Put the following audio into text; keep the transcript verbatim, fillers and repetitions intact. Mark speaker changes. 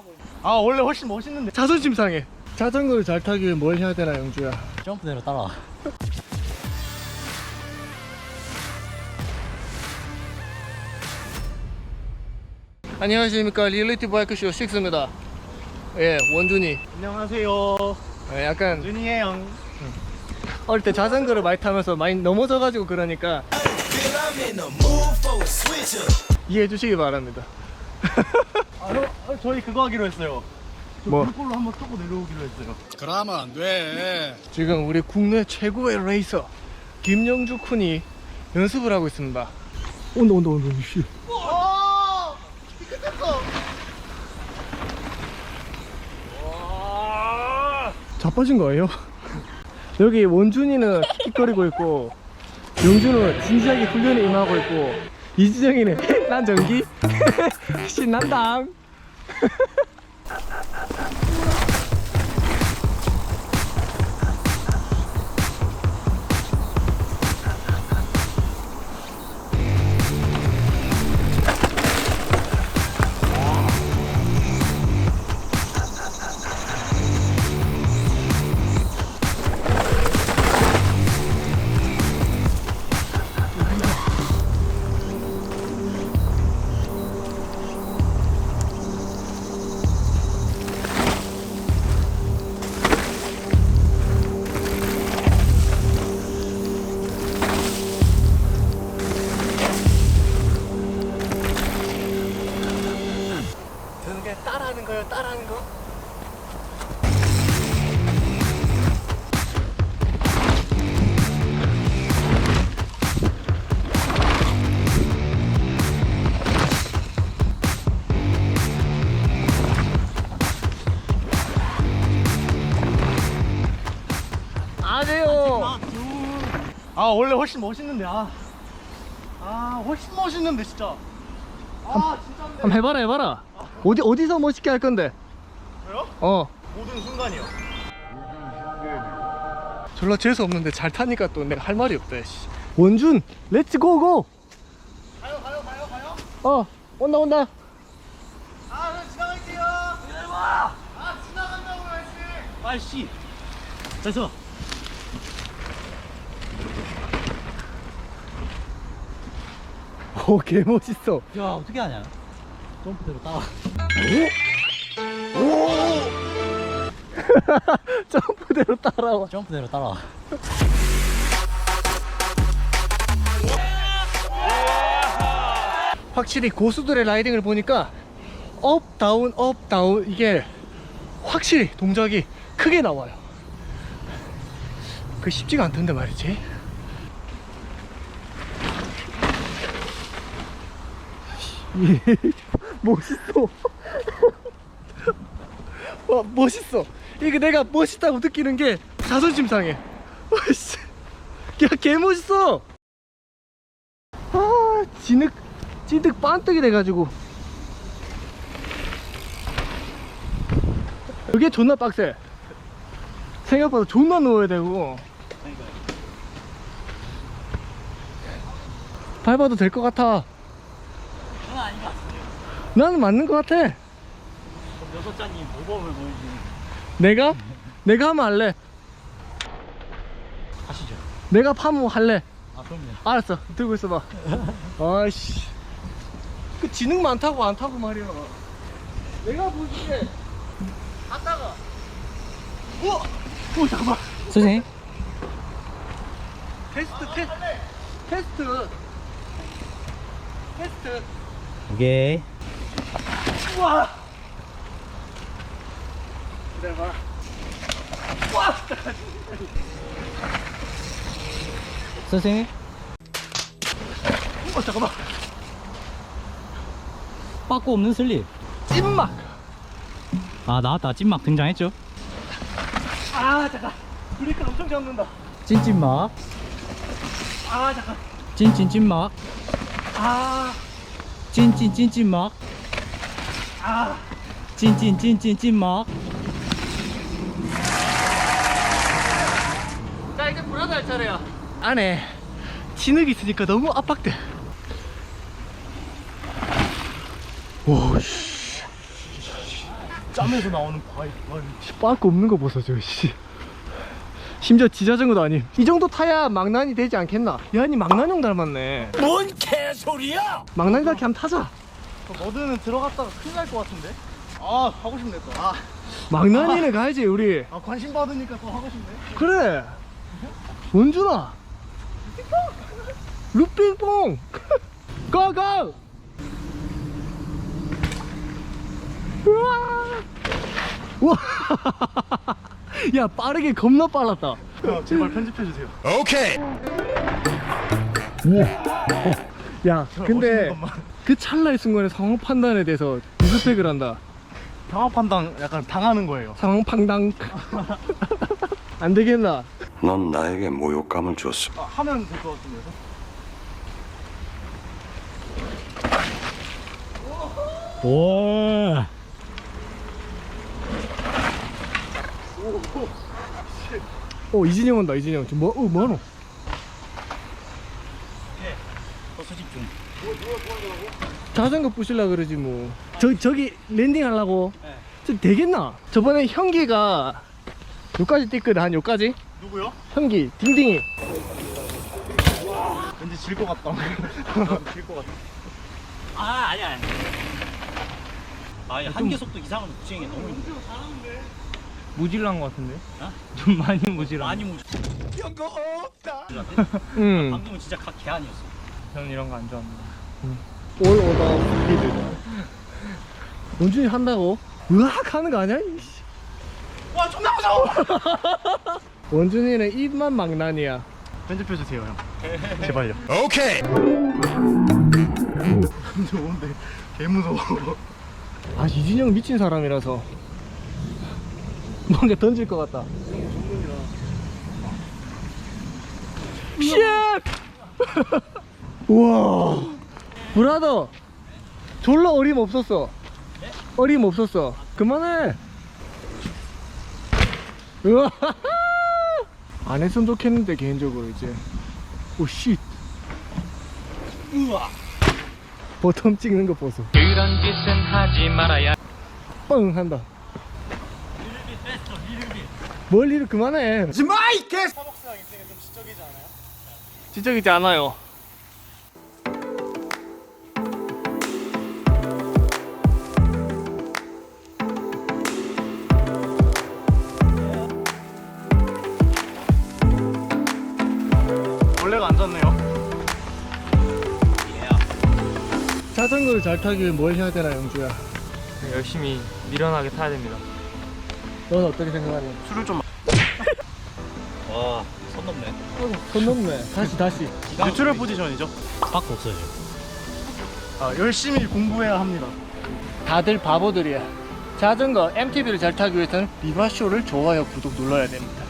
Speaker 1: 아 원래 훨씬 멋있는데 자존심 상해. 자전거를 잘 타기 위해 뭘 해야 되나 영주야?
Speaker 2: 점프대로 따라와.
Speaker 1: 안녕하십니까, 리얼리티 바이크쇼 식스입니다. 예, 원준이.
Speaker 3: 안녕하세요.
Speaker 1: 예, 약간
Speaker 3: 준이의 형.
Speaker 1: 어릴 때 자전거를 많이 타면서 많이 넘어져가지고 그러니까 이해해 주시기 바랍니다.
Speaker 3: 아, 형, 아, 저희 그거 하기로 했어요.
Speaker 1: 뭐?
Speaker 3: 물골로 한번 쏘고 내려오기로 했어요.
Speaker 4: 그러면 안 돼.
Speaker 1: 지금 우리 국내 최고의 레이서 김영주 쿤이 연습을 하고 있습니다. 온다 온다 온다. 씨. 자빠진 거예요? 여기 원준이는 킥거리고 있고 영준은 진지하게 훈련에 임하고 있고 이지정이는 난 전기 신난다. 저는 그냥 따라하는 거예요, 따라하는 거. 아니에요. 아 원래 훨씬 멋있는데 아, 아 훨씬 멋있는데 진짜. 아 진짜. 한번 해봐라 해봐라. 어디 어디서 멋있게 할 건데?
Speaker 3: 저요?
Speaker 1: 어.
Speaker 3: 모든 순간이요.
Speaker 1: 졸라 재수 없는데 잘 타니까 또 내가 할 말이 없다. 씨. 원준, 렛츠 고고.
Speaker 3: 가요 가요 가요 가요.
Speaker 1: 어, 온다 온다.
Speaker 3: 아 그럼 지나갈게요. 기다려봐. 아 지나간다고 했지. 아씨. 됐어.
Speaker 1: 오, 개 멋있어.
Speaker 2: 야, 어떻게 하냐? 점프대로 따라와.
Speaker 1: 점프대로 따라와.
Speaker 2: 점프대로 따라와.
Speaker 1: 확실히 고수들의 라이딩을 보니까 업 다운 업 다운 이게 확실히 동작이 크게 나와요. 그 쉽지가 않던데 말이지. 멋있어. 와 멋있어. 이게 내가 멋있다고 느끼는 게 자존심 상해. 와씨, 야 개 멋있어. 아 진흙 찐득 반뜩이 돼가지고 이게 존나 빡세. 생각보다 존나 누워야 되고. 밟아도 될 것 같아.
Speaker 2: 그건 아닌 것 같은데요.
Speaker 1: 나는 맞는 것 같아.
Speaker 2: 그럼 여섯자님 모범을 보여주는.
Speaker 1: 내가? 내가 하면 할래.
Speaker 2: 하시죠.
Speaker 1: 내가 파면 할래.
Speaker 2: 아, 그럼요.
Speaker 1: 알았어, 들고 있어봐. 아이씨, 그 지능 많다고 안 타고 말이야. 내가 보기에 갔다가 우와! 오 잠깐만.
Speaker 2: 선생님.
Speaker 1: 테스트 테스트 테스트 테스트.
Speaker 2: 오케이.
Speaker 1: 우와! 기다려봐. 와!
Speaker 2: 선생님.
Speaker 1: 어 잠깐만.
Speaker 2: 빠꾸 없는 슬립.
Speaker 1: 찐막.
Speaker 2: 아, 나왔다. 찐막 등장했죠.
Speaker 1: 아 잠깐. 브레이크 엄청 잡는다.
Speaker 2: 찐찐막.
Speaker 1: 아 잠깐.
Speaker 2: 찐찐찐막.
Speaker 1: 아.
Speaker 2: 찐찐찐찐막.
Speaker 1: 아.
Speaker 2: 찐찐찐찐찐막.
Speaker 1: 자 이제 브라더 할 차례야. 안에 진흙이 있으니까 너무 압박돼. 오씨.
Speaker 3: 짬에서 나오는 바위. 바위.
Speaker 1: 빠꾸 없는 거 보소 저 씨. 심지어 지자전거도 아님. 이 정도 타야 망난이 되지 않겠나? 야니 망난형 닮았네.
Speaker 4: 뭔 개소리야!
Speaker 1: 망난이 그렇게 한번 타자.
Speaker 3: 머드는 들어갔다가 큰일 날 것 같은데? 아 하고 싶네 또. 아,
Speaker 1: 망난이는 가야지 우리.
Speaker 3: 아 관심 받으니까 또 하고 싶네.
Speaker 1: 그래. 원준아. 루핑뽕. 고고. 우와. 우와. 야 빠르게 겁나 빨랐다.
Speaker 3: 형 제발 편집해 주세요.
Speaker 4: 오케이.
Speaker 1: 야 근데
Speaker 3: 멋있는 것만.
Speaker 1: 그 찰나의 순간에 상황 판단에 대해서 리스펙을 한다.
Speaker 3: 상황 판단 약간 당하는 거예요.
Speaker 1: 상황 판단. 안 되겠나?
Speaker 5: 넌 나에게 모욕감을 줬어.
Speaker 3: 아, 하면 될 것 같은데.
Speaker 2: 와.
Speaker 1: 어 이진영 온다 이진영. 지금 뭐? 어 뭐하노?
Speaker 2: 수집 중.
Speaker 1: 자전거 부실라 그러지 뭐. 저 저기 랜딩 하려고. 저 되겠나? 저번에 형기가 요까지 뛰거든. 한 요까지.
Speaker 3: 누구요?
Speaker 1: 형기 딩딩이.
Speaker 3: 왠지 질 것 같다. 질 것 같다.
Speaker 2: 아 아니야. 아니야. 아니 한계 속도 이상은 주행이 너무 힘들어.
Speaker 1: 무질란 것 같은데?
Speaker 2: 어?
Speaker 1: 좀 많이 무질란.
Speaker 2: 많이 무.
Speaker 4: 연거 없다.
Speaker 1: 응.
Speaker 2: 방금은 진짜 각 개안이었어.
Speaker 1: 저는 이런 거 안 좋아합니다. 올 오더 스피드. 원준이 한다고? 으악 하는 거 아니야? 이씨.
Speaker 3: 와 존나 무서워.
Speaker 1: 원준이는 입만 망난이야.
Speaker 3: 편집해 주세요 형. 제발요.
Speaker 4: 오케이.
Speaker 3: 좋은데 개 무서워.
Speaker 1: 아 이진영 미친 사람이라서 뭔가 던질 것 같다. 쉣! 우와 브라더 졸라 어림없었어. 어림없었어. 그만해. 우와 안 했으면 좋겠는데 개인적으로 이제. 오씨
Speaker 2: 우와.
Speaker 1: 버텀 찍는 거 보소.
Speaker 6: 그런 짓은 하지 말아야.
Speaker 1: 뻥 한다. 뭘 일을 그만해.
Speaker 4: 지마이 개.
Speaker 3: 스타벅스랑 인생에 좀 지적이지 않아요?
Speaker 1: 지적이지 않아요.
Speaker 3: 원래가 앉았네요.
Speaker 1: 자전거를 잘 타기 위해 뭘 해야 되나 영주야?
Speaker 6: 열심히 미련하게 타야 됩니다.
Speaker 1: 넌 어떻게 생각하니?
Speaker 3: 술을 좀.
Speaker 2: 와, 선 넘네.
Speaker 1: 손 넘네. 다시 다시.
Speaker 3: 뉴트럴 포지션이죠.
Speaker 2: 밖에 없어요.
Speaker 3: 아 열심히 공부해야 합니다.
Speaker 1: 다들 바보들이야. 자전거 엠티비를 잘 타기 위해서는 비바쇼를 좋아요 구독 눌러야 됩니다.